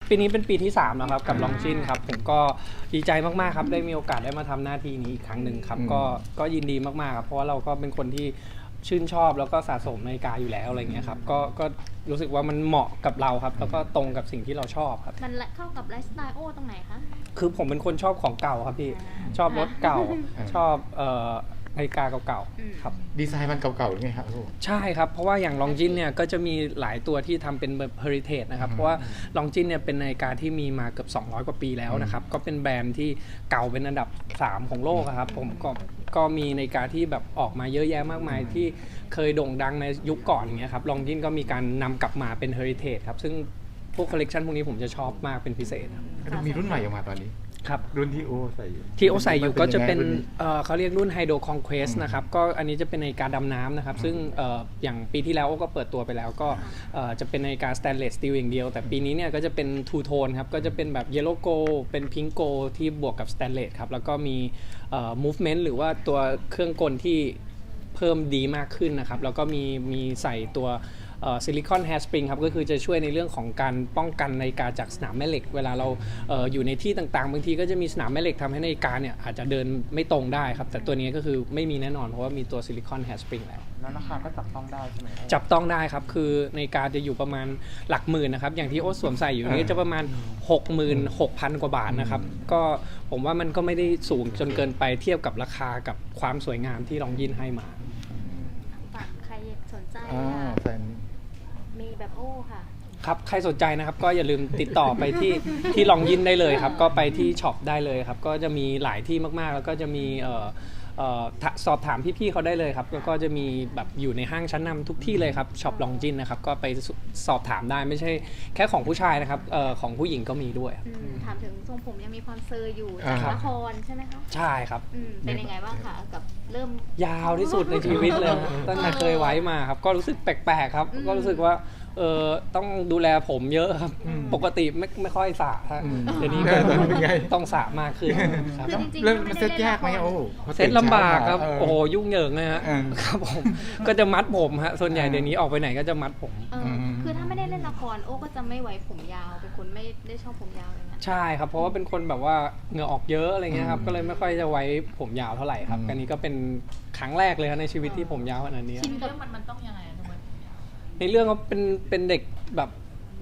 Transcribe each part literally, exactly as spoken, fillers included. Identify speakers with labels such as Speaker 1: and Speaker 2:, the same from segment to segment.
Speaker 1: ปีนี้เป็นปีที่สามแล้วครับกับลองจินครับผมก็ดีใจมากๆครับได้มีโอกาสได้มาทำหน้าที่นี้อีกครั้งหนึ่งครับก็ก็ยินดีมากๆครับเพราะว่าเราก็เป็นคนที่ชื่นชอบแล้วก็สะสมนาฬิกาอยู่แล้วอะไรเงี้ยครับก็ก็รู้สึกว่ามันเหมาะกับเราครับแล้วก็ตรงกับสิ่งที่เราชอบครับ
Speaker 2: มันเข้ากับไลฟ์สไตล์โอ้ตรงไหนคะ
Speaker 1: คือผมเป็นคนชอบของเก่าครับพี่ชอบรถเก่าชอบเอ่อนาฬิกาเก่าๆครับ
Speaker 3: ดีไซน์มันเก่าๆหรือไงครับ
Speaker 1: ใช่ครับเพราะว่าอย่างลองจินเนี่ยก็จะมีหลายตัวที่ทำเป็นแบบ heritage นะครับเพราะว่าลองจินเนี่ยเป็นนาฬิกาที่มีมาเกือบสองร้อยกว่าปีแล้วนะครับก็เป็นแบรนด์ที่เก่าเป็นอันดับสามของโลกครับผมก็ก็มีนาฬิกาที่แบบออกมาเยอะแยะมากมายที่เคยโด่งดังในยุคก่อนอย่างเงี้ยครับลองจินก็มีการนำกลับมาเป็น heritage ครับซึ่งพวกคอลเลกชันพวกนี้ผมจะชอบมากเป็นพิเศษครับ
Speaker 3: มีรุ่นใหม่ออกมาตอนนี้
Speaker 1: ครับ
Speaker 3: รุ่นที่โอใส่อยู่
Speaker 1: ที่โอใส่อยู่ก็จะเป็นเอ่อเขาเรียกรุ่น Hydro Conquest นะครับก็อันนี้จะเป็นนาฬิกาดำน้ำนะครับซึ่งเอ่ออย่างปีที่แล้วโอก็เปิดตัวไปแล้วก็เอ่อจะเป็นนาฬิกา Stainless Steel อย่างเดียวแต่ปีนี้เนี่ยก็จะเป็น Two Tone ครับก็จะเป็นแบบ Yellow Gold เป็น Pink Gold ที่บวกกับ Stainless ครับแล้วก็มีเอ่อ movement หรือว่าตัวเครื่องกลที่เพิ่มดีมากขึ้นนะครับแล้วก็มีมีใส่ตัวซิลิคอนแฮร์สปริงครับก็คือจะช่วยในเรื่องของการป้องกันนาฬิกาจากสนามแม่เหล็กเวลาเราเอออยู่ในที่ต่างๆบางทีก็จะมีสนามแม่เหล็กทำให้นาฬิกาเนี่ยอาจจะเดินไม่ตรงได้ครับแต่ตัวนี้ก็คือไม่มีแน่นอนเพราะว่ามีตัวซิลิคอนแฮร์สปริงแล้ว
Speaker 4: แล้วราคาก็จับต้องได้ใช่ไหม
Speaker 1: จับต้องได้ครับคือนาฬิกาจะอยู่ประมาณหลักหมื่นนะครับอย่างที่โอ๊ตสวมใส่อยู่นี้จะประมาณ หกหมื่นหกพัน กว่าบาทนะครับก็ผมว่ามันก็ไม่ได้สูงจนเกินไปเทียบกับราคากับความสวยงามที่ลองยินให้มา
Speaker 2: ใครสนใจมีแบบโอ้ค่ะ
Speaker 1: ครับใครสนใจนะครับก็อย่าลืมติดต่อไปที่ที่ลองยินได้เลยครับก็ไปที่ช็อปได้เลยครับก็จะมีหลายที่มากๆแล้วก็จะมีเอ่อเอ่อสอบถามพี่ๆเขาได้เลยครับแล้วก็จะมีแบบอยู่ในห้างชั้นนำทุกที่เลยครับช็อปลองจินนะครับก็ไปสอบถามได้ไม่ใช่แค่ของผู้ชายนะครับเอ่อของผู้หญิงก็มีด้วย
Speaker 2: ถามถึงทรงผมยังมีความเซอร์อยู่จากละครใช่ไหมคะ
Speaker 1: ใช่ครับ
Speaker 2: เป็นยังไงบ้างคะกับเริ่ม
Speaker 1: ยาวที่สุดในชีวิตเลยตั้งแต่เคยไว้มาครับก็รู้สึกแปลกๆครับก็รู้สึกว่าเออต้องดูแลผมเยอะครับปกติไม่ไม่ค่อยสระเดี๋ยวนี้ก็ต้องสระมากขึ้นครับ
Speaker 3: เริ่มมันเซ็ตยากไหมโอ้
Speaker 1: เซ็ตลำบากครับโอ้โหยุ่งเหยิงนะฮะครับผมก็จะมัดผมฮะส่วนใหญ่เดี๋ยวนี้ออกไปไหนก็จะมัดผม
Speaker 2: คือถ้าไม่ได้เล่นละครโอ้ก็จะไม่ไว้ผมยาวเป็นคนไม่ได้ชอบผมยาวเลยนะ
Speaker 1: ใช่ครับเพราะว่าเป็นคนแบบว่าเหงื่อออกเยอะอะไรเงี้ยครับก็เลยไม่ค่อยจะไว้ผมยาวเท่าไหร่ครับอันนี้ก็เป็นครั้งแรกเลยในชีวิตที่ผมยาวขนาดนี้
Speaker 2: ชินกับมันมันต้องยังไง
Speaker 1: ในเรื่องเขาเป็นเป็นเด็กแบบ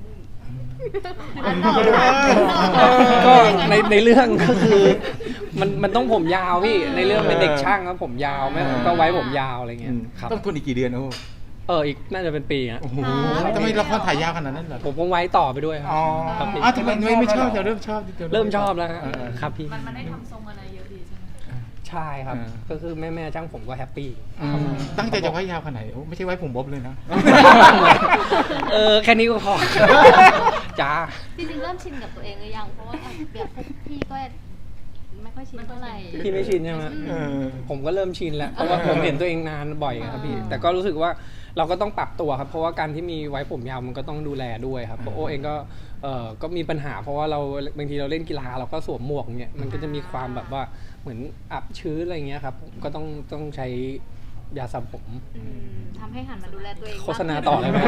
Speaker 1: ก็ในในเรื่องก็คือมันมันต้องผมยาวพี่ในเรื่องเป็นเด็กช่างครับผมยาวแม่ก็ไว้ผมยาวอะไรเงี้ยครับ
Speaker 3: ต้องทนอีกกี่เดือนโอ้
Speaker 1: เอออีกน่าจะเป็นปีอ่ะ
Speaker 3: โอ้โหทำไมละครถ่ายยาวขนาดนั้นเหรอ
Speaker 1: ผมผมไว้ต่อไปด้วยครับ
Speaker 3: อ๋อทำไมไม่ชอบจะเริ่มชอบ
Speaker 1: เริ่มชอบแล้วครับพี่
Speaker 2: มันมันได้ทำทรงอะไรเยอะดีใช่ไหม
Speaker 1: ใช่ครับก็คือแม่แม่ช่างผมก็แฮปปี้
Speaker 3: ตั้งใจจะไว้ยาวขนาดไหนไม่ใช่ไว้ผมบ๊อบเลยนะ
Speaker 1: เออแค่นี้ก็พอจ้า
Speaker 2: จริงๆเริ่มชินกับตัวเองหรือยังเพราะว่าแบบพวกพี่ก็ไม่ค่อยชินเท่าไหร่
Speaker 1: พี่ไม่ชินใช่ไหมผมก็เริ่มชินแล้วเพราะว่าผมเห็นตัวเองนานบ่อยครับพี่แต่ก็รู้สึกว่าเราก็ต้องปรับตัวครับเพราะว่าการที่มีไว้ผมยาวมันก็ต้องดูแลด้วยครับโอเองก็เออก็มีปัญหาเพราะว่าเราบางทีเราเล่นกีฬาเราก็สวมหมวกเงี้ยมันก็จะมีความแบบว่าเหมือนอับชื้นอะไรเงี้ยครับก็ต้องต้องใช้ยาสระผม
Speaker 2: ทำให้หันมาดูแลตัวเอง
Speaker 1: โฆษณาต่อเลยไหม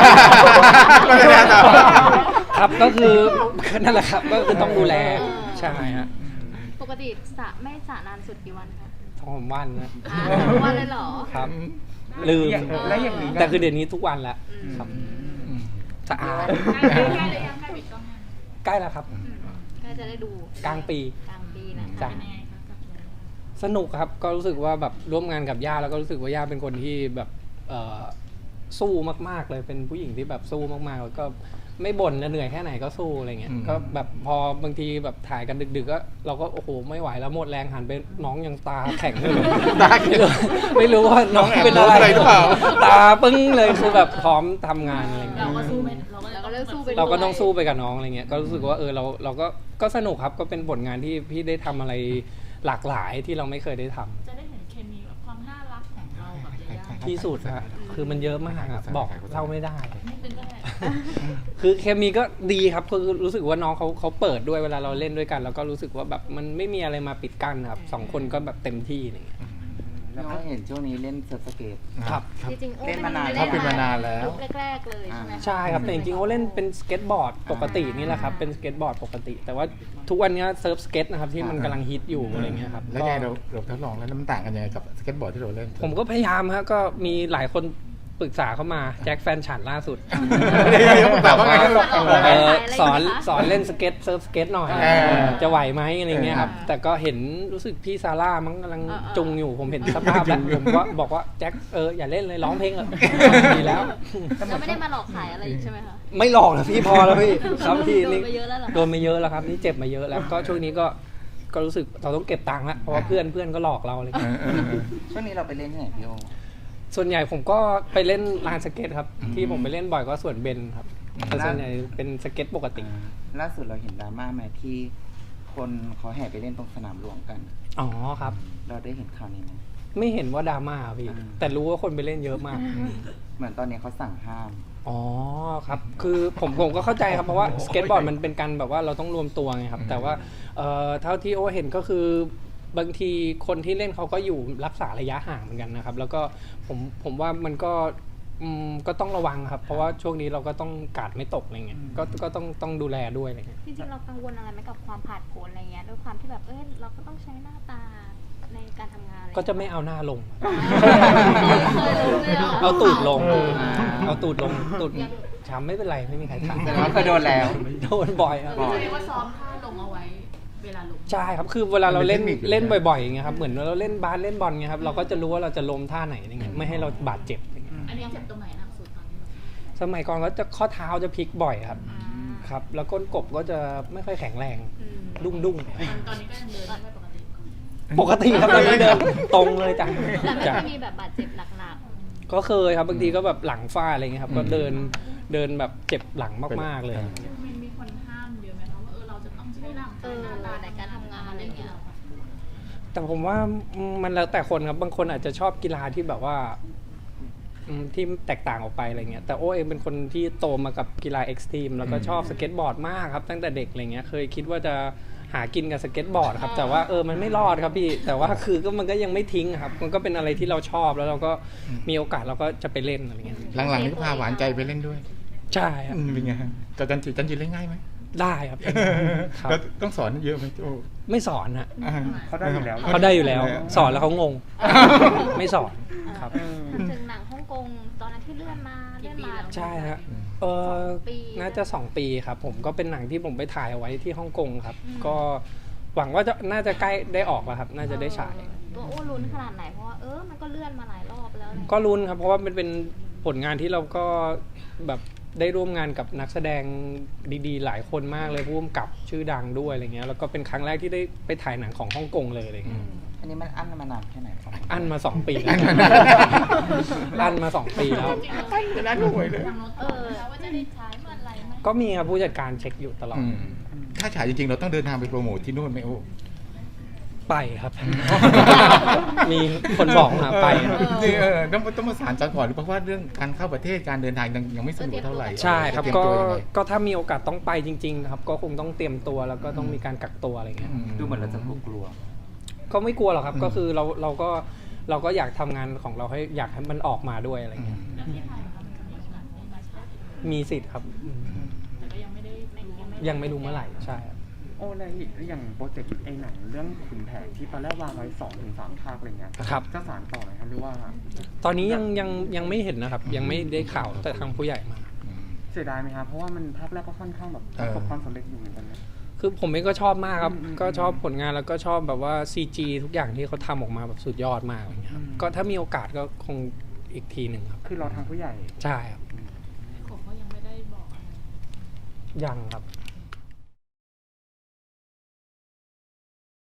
Speaker 1: ครับก็คือนั่นแหละครับก็คือต้องดูแลใช่ฮะ
Speaker 2: ปกติสระไม่สระนานสุดกี่วันคะ
Speaker 1: สองวันนะ
Speaker 2: วันเลยเหรอ
Speaker 1: ครับลืมแต่คือเดี๋ยวนี้ทุกวันแล้วครับสะอาด
Speaker 2: ใกล้เลยยังใกล้ปิดกล้อง
Speaker 1: ใกล้แล้วครับ
Speaker 2: ใกล้จะได้ดู
Speaker 1: กลางปี
Speaker 2: กลางปีนะคะ
Speaker 1: สนุกครับก็รู้สึกว่าแบบร่วมงานกับย่าแล้วก็รู้สึกว่าย่าเป็นคนที่แบบสู้มากๆเลยเป็นผู้หญิงที่แบบสู้มากๆแล้วก็ไม่บ่นจะเหนื่อยแค่ไหนก็สู้อะไรเงี้ยก็แบบพอบางทีแบบถ่ายกันดึกๆก็เราก็โอ้โหไม่ไหวแล้วหมดแรงหันไปน้องยังตาแข็งเลยตาไม่รู้ว่าน้องเป็นอะไรหรือเปล่าตาปึ้งเลยคือแบบพร้อมทำงานอะไรเงี้ย
Speaker 2: เราก็สู้ไปเราก็เลิกสู้ไป
Speaker 1: เราก็ต้องสู้ไปกับน้องอะไรเงี้ยก็รู้สึกว่าเออเราเราก็ก็สนุกครับก็เป็นผลงานที่พี่ได้ทำอะไรหลากหลายที่เราไม่เคยได้ทำ
Speaker 2: จะได้เห็นเคมีแบบความน่ารักของเรากับยาย่า
Speaker 1: ที่สุดฮะคือมันเยอะมากอะบอกเล่าไม่ได้คือเคมีก็ดีครับคือรู้สึกว่าน้องเขาเขาเปิดด้วยเวลาเราเล่นด้วยกันแล้วก็รู้สึกว่าแบบมันไม่มีอะไรมาปิดกั้นครับสองคนก็แบบเต็มที่อย่างเงี้ย
Speaker 4: แล้วก็เห็นช่วงนี้เล่นเซิร์ฟสเกต
Speaker 1: ครับ
Speaker 3: ครับ
Speaker 2: จริงๆโอ้
Speaker 4: เล่นมานาน
Speaker 3: เขาเป็นมานานแล้ว
Speaker 2: ยุคแรกๆเลยใช่ไหมคะ
Speaker 1: ใช่ครับแต่จริงๆเขาเล่นเป็นสเก็ตบอร์ดปกตินี่แหละครับเป็นสเก็ตบอร์ดปกติ แต่ว่าทุกวันนี้เซิร์ฟสเก็ตนะครับที่มันกำลังฮิตอยู่อะไรเงี้ยครับ
Speaker 3: แล้วไงเราเราทดลองแล้วแล้วมันต่างกันยังไงกับสเก็ตบอร์ดที่เราเล่น
Speaker 1: ผมก็พยายามครับก็มีหลายคนปรึกษาเข้ามาแจ็คแฟนฉันล่าสุด
Speaker 3: เดี๋ยวเดี๋ยวผมถามว่าไง
Speaker 1: เออสอนสอนเล่นสเก็ตเซิร์ฟสเก็ตหน่อย
Speaker 3: เออ
Speaker 1: จะไหวไหมอะไรเงี้ยครับ
Speaker 2: เออ
Speaker 1: แต่ก็เห็นรู้สึกพี่ซาร่ามันกำลัง
Speaker 2: เออเออ
Speaker 1: จุงอยู่ผมเห็นสภาพแล้วผมก็บอกว่าแจ็คเอออย่าเล่นเลยร้องเพลงเถอะดีแล้ว
Speaker 2: เราไม่ได้มาหลอกขายอะไรอีกใช่ไหมคะ
Speaker 1: ไม่หลอกนะพี่พอแล้วพี่ครับพี่
Speaker 2: โดน
Speaker 1: นี่
Speaker 2: ไปเยอะแล้วเหรอ
Speaker 1: โดนมาเยอะแล้วครับนี่เจ็บมาเยอะแล้วก็ช่วงนี้ก็ก็รู้สึกเราต้องเก็บตังค์ละเพราะว่าเพื่อนเพื่อนก็หลอกเราอะไร
Speaker 3: เอ
Speaker 1: เงี้ย
Speaker 3: อเออเออ
Speaker 4: ช่วงนี้เราไปเล่นที่ไหนพี่โอ
Speaker 1: ส่วนใหญ่ผมก็ไปเล่นลานสเก็ตครับ
Speaker 3: อืม
Speaker 1: ที่ผมไปเล่นบ่อยก็ส่วนเบนครับ
Speaker 3: อืม
Speaker 1: แต่ส่วนใหญ่เป็นสเก็ตปกติ
Speaker 4: ล่าสุดเราเห็นดราม่าไหมที่คนเขาแห่ไปเล่นตรงสนามหลวงกัน
Speaker 1: อ๋อครับ
Speaker 4: เราได้เห็นข่าวนี้ไหม
Speaker 1: ไม่เห็นว่าดราม่าครับพี่
Speaker 4: อืม
Speaker 1: แต่รู้ว่าคนไปเล่นเยอะมาก
Speaker 4: เหมือนตอนนี้เขาสั่งห้าม
Speaker 1: อ๋อครับ คือผมผมก็เข้าใจครับเพราะว่าสเก็ตบอร์ดมันเป็นการแบบว่าเราต้องรวมตัวไงครับ แต่ว่าเอ่อเท่าที่โอเห็นก็คือบางทีคนที่เล่นเขาก็อยู่รักษาระยะห่างเหมือนกันนะครับ แล้วก็ผมผมว่ามันก็อืมก็ต้องระวังครับ เพราะว่าช่วงนี้เราก็ต้องกาดไม่ตกอะไรเงี้ยก็ก็ต้องต้องดูแลด้วยอะไรเงี้ย
Speaker 2: จริงๆเรากังวลอะไรไหมกับความผาดโผนอะไรเงี้ยด้วยความที่แบบเออเราก็ต้องใช้หน้าตาในการทำงานอะไร
Speaker 1: ก็จะไม่เอาหน้าลง
Speaker 2: เคยรู้เลยหร
Speaker 1: เอาตูดลง
Speaker 4: อ่า
Speaker 1: เอาตูดลงตูดช้ำไม่เป็นไรไม่มีใครถาม
Speaker 4: แต่ว่าเคยโดนแล้ว
Speaker 1: โดนบ่อยครับ
Speaker 4: บ่อย
Speaker 5: เรียกว่าซ้อมท่าลงเอาไว้เวลาลง
Speaker 1: ใช่ครับ คือเวลาเราเล่น
Speaker 3: มันเป็นเทคนิคอยู่
Speaker 1: เล่นบ่อยๆอย่างเงี้ยครับ เหมือนเราเล่นบาสเล่นบอลเงี้ยครับ เราก็จะรู้ว่าเราจะล้มท่าไหนอะไรเงี้ย ไม่ให้เราบาดเจ็บอะไรเงี้ย
Speaker 5: อันนี้เจ็บตรงไหนหนักสุดตอนนี้
Speaker 1: สมัยก่อนก็จะข้อเท้าจะพลิกบ่อยครับ
Speaker 2: อ่า
Speaker 1: ครับ แล้วก้นกบก็จะไม่ค่อยแข็งแรง
Speaker 2: อืม
Speaker 1: ดุ้งดุ้ง
Speaker 5: ตอนตอนนี้ก็ยังเดินได้ไม่ปกติ
Speaker 1: ปกติครับตอนนี้เดินตรงเลยจ้ะ
Speaker 2: แต่ไม่
Speaker 1: จ้ะ
Speaker 2: เคยมีแบบบาดเจ็บหนัก
Speaker 1: ก็เคยครับ บางทีก็แบบหลังฟาดอะไรเงี้ยครับ ก็เดินเดินแบบเจ็บหลังมากๆเลย
Speaker 5: มันมีคนห้ามเยอะไหมคะว่าเออเราจะต้องใช้ร่าง
Speaker 2: ๆเอก
Speaker 5: าย
Speaker 2: อ
Speaker 5: หน้าตา
Speaker 2: ในการทำงานอะไรเงี้ย
Speaker 1: แต่ผมว่ามันแล้วแต่คนครับ บางคนอาจจะชอบกีฬาที่แบบว่าอืมที่แตกต่างออกไปอะไรเงี้ย แต่โอ้เองเป็นคนที่โตมากับกีฬาเอ็กซ์ตรีมแล้วก็ชอบสเก็ตบอร์ดมากครับตั้งแต่เด็กอะไรเงี้ย เคยคิดว่าจะหากินกับสเก็ตบอร์ดครับ แต่ว่าเออมันไม่รอดครับพี่ แต่ว่าคือก็มันก็ยังไม่ทิ้งครับ มันก็เป็นอะไรที่เราชอบแล้วเราก็มีโอกาสเราก็จะไปเล่นอะไรเงี้ย
Speaker 3: หลังๆนี่ก็พาหวานใจไปเล่นด้วย
Speaker 1: ใช่ครับ
Speaker 3: อืมเป็นไงฮะกับจันจิจันจิเล่นง่ายไหม
Speaker 1: ได้ครับ ครับ
Speaker 3: แล้วต้องสอนเยอะไหมโอ้
Speaker 1: ไม่สอนฮะ
Speaker 3: อ่
Speaker 4: เขาได้อยู่แล้ว
Speaker 1: เขาได้อยู่แล้ว สอนแล้วเขางง ไม่สอนครับ
Speaker 2: ถึงหนังฮ่องกงตอนนั้นที่เลื่อนมาเลื่อนมา
Speaker 1: ใช่ฮะเออ
Speaker 2: สองปี
Speaker 1: น่าจะสองปีครับ ผมก็เป็นหนังที่ผมไปถ่ายเอาไว้ที่ฮ่องกงครับ
Speaker 2: อืม
Speaker 1: ก็หวังว่าจะน่าจะใกล้ได้ออกแล้วครับ น่าจะได้ฉาย
Speaker 2: ตัวโอ้ลุ้นขนาดไหนเพราะว่าเออมันก็เลื่อนมาหลายรอบแล้วอะไรเงี้ย
Speaker 1: ก็ลุ้นครับ เพราะว่ามันเป็นผลงานที่เราก็แบบได้ร่วมงานกับนักแสดงดีๆ หลายคนมากเลยผู้กำกับชื่อดังด้วยอะไรเงี้ยแล้วก็เป็นครั้งแรกที่ได้ไปถ่ายหนังของฮ่องกงเลยอะไรเงี้ย
Speaker 4: อันนี้มันอั้นมานานแค่ไหนครับ
Speaker 1: อันมาสองปีแล้วอันมาสองปีแล้ว
Speaker 3: จะน่าดูเลย
Speaker 5: ทางโน้ต
Speaker 2: เออ
Speaker 5: ว่าจะได้ใช้เมื่อไหร่ไหม
Speaker 1: ก็มีครับผู้จัดการเช็คอยู่ตลอด
Speaker 3: อืมถ้าฉายจริงๆ เราต้องเดินทางไปโปรโมทที่นู่นไหมโอ้
Speaker 1: ไปครับ มีคนบอกมาไปครับ
Speaker 3: จริงเออต้องต้องประสานกันก่อนเพราะว่าเรื่องการเข้าประเทศการเดินทางยังยังไม่สะดวกเท่าไหร่
Speaker 1: ใช่ครับ
Speaker 3: เตยม
Speaker 1: ก็
Speaker 3: ตัวยังไง
Speaker 1: ก็ถ้ามีโอกาสต้องไปจริงๆครับก็คงต้องเตรียมตัวแล้วก็ต้องมีการกักตัวอะไรเงี้ย
Speaker 3: อืม
Speaker 4: ดูเหมือนเราจะกลัว
Speaker 1: ก็ไม่กลัวหรอกครับ
Speaker 3: อืม
Speaker 1: ก็คือเราเราก็เราก็อยากทำงานของเราให้อยากให้มันออกมาด้วยอะไร
Speaker 3: อื
Speaker 1: เงี้
Speaker 3: ม
Speaker 1: ย
Speaker 5: แล้วที่ไทยครับมันมีโอกาสได้มาใช้
Speaker 1: มีสิทธิ์ครับอืม
Speaker 5: แต่ก็ยังไม่ได้รู้ว่า
Speaker 1: ยังไม่รู้เมื่อไหร่ใช่ครับ
Speaker 6: โอ้แล้วอย่างโปรเจกต์ไอ้หนังเรื่องขุนแผนที่ตอนแรกวางไว้สองถึงสามภาคอะไรเงี้ย
Speaker 1: ครับ
Speaker 6: จะสานต่อไหมครับหรือว่า
Speaker 1: ตอนนี้ยังยังยังไม่เห็นนะครับ ยังไม่ได้ข่าวแต่ทางผู้ใหญ่มา
Speaker 6: เสียดายไหมครับเพราะว่ามันภาคแรกก็ค่อนข้างแบบประสบความสำเร็จอยู่เหมือนกันนะ
Speaker 1: คือผมเองก็ชอบมากครับ
Speaker 6: อืมอืม
Speaker 1: ก็ชอบผลงานแล้วก็ชอบแบบว่า ซี จี ทุกอย่างที่เขาทำออกมาแบบสุดยอดมากอะไรเงี้ยครับ
Speaker 6: อืม
Speaker 1: ก็ถ้ามีโอกาสก็คงอีกทีหนึ่งครับ
Speaker 6: คือเราทางผู้ใหญ่
Speaker 1: ใช่ครับ
Speaker 5: ผมก็ยังไม่ได้บอกอะไร
Speaker 1: ยังครับ